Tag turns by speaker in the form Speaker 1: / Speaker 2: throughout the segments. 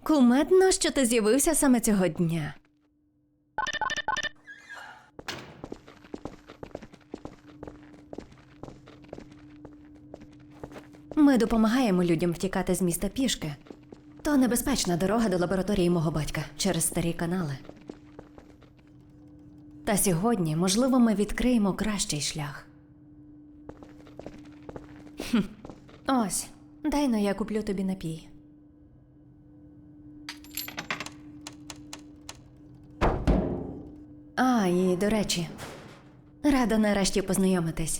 Speaker 1: Кумедно, що ти з'явився саме цього дня. Ми допомагаємо людям втікати з міста пішки. То небезпечна дорога до лабораторії мого батька через старі канали. Та сьогодні, можливо, ми відкриємо кращий шлях. Ось, дай-но я куплю тобі напій. А, і до речі, рада нарешті познайомитись.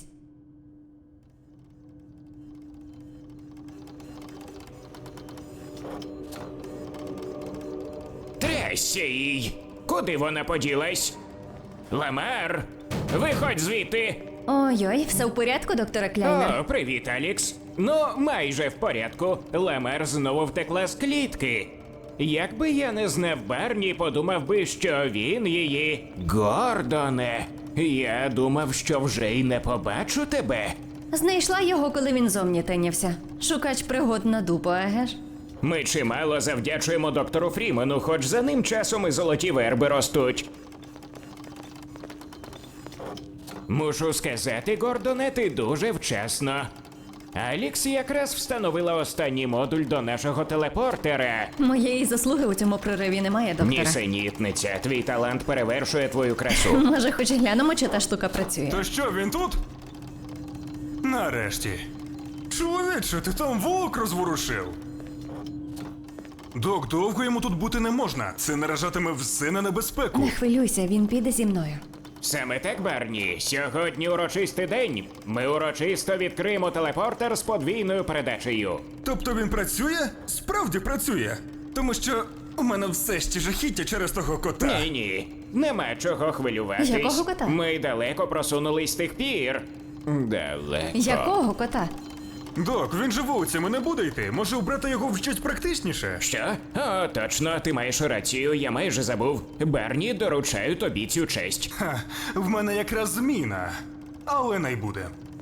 Speaker 2: Трясся їй! Куди вона поділась? Ламар! Виходь звідти!
Speaker 1: Ой-ой, все в порядку, доктора Кляйнер?
Speaker 2: О, привіт, Алікс. Ну, майже в порядку. Ламар знову втекла з клітки. Якби я не знав Барні, подумав би, що він її... Гордоне! Я думав, що вже й не побачу тебе.
Speaker 1: Знайшла його, коли він зовні тинявся. Шукач пригод на дупу, еге ж?
Speaker 2: Ми чимало завдячуємо доктору Фрімену, хоч за ним часом і золоті верби ростуть. Мушу сказати, Гордоне, ти дуже вчасно. Алікс якраз встановила останній модуль до нашого телепортера.
Speaker 1: Моєї заслуги у цьому прориві немає, доктора.
Speaker 2: Нісенітниця, твій талант перевершує твою красу.
Speaker 1: Може, хоч глянемо, чи та штука працює.
Speaker 3: То що, він тут? Нарешті. Чоловіче, ти там вовк розворушив. Док, довго йому тут бути не можна. Це наражатиме все на небезпеку.
Speaker 1: Не хвилюйся, він піде зі мною.
Speaker 2: Саме так, Барні. Сьогодні урочистий день. Ми урочисто відкриємо телепортер з подвійною передачею.
Speaker 3: Тобто він працює? Справді працює. Тому що у мене все ще жахіття через того кота.
Speaker 2: Ні, нема чого хвилюватись.
Speaker 1: Якого кота?
Speaker 2: Ми далеко просунулись з тих пір. Далеко.
Speaker 1: Якого кота?
Speaker 3: Док, він же вулицями не буде йти. Може, обрати його в щось практичніше?
Speaker 2: Що? О, точно, ти маєш рацію, я майже забув. Барні, доручаю тобі цю честь.
Speaker 3: Ха, в мене якраз зміна. Але не буде.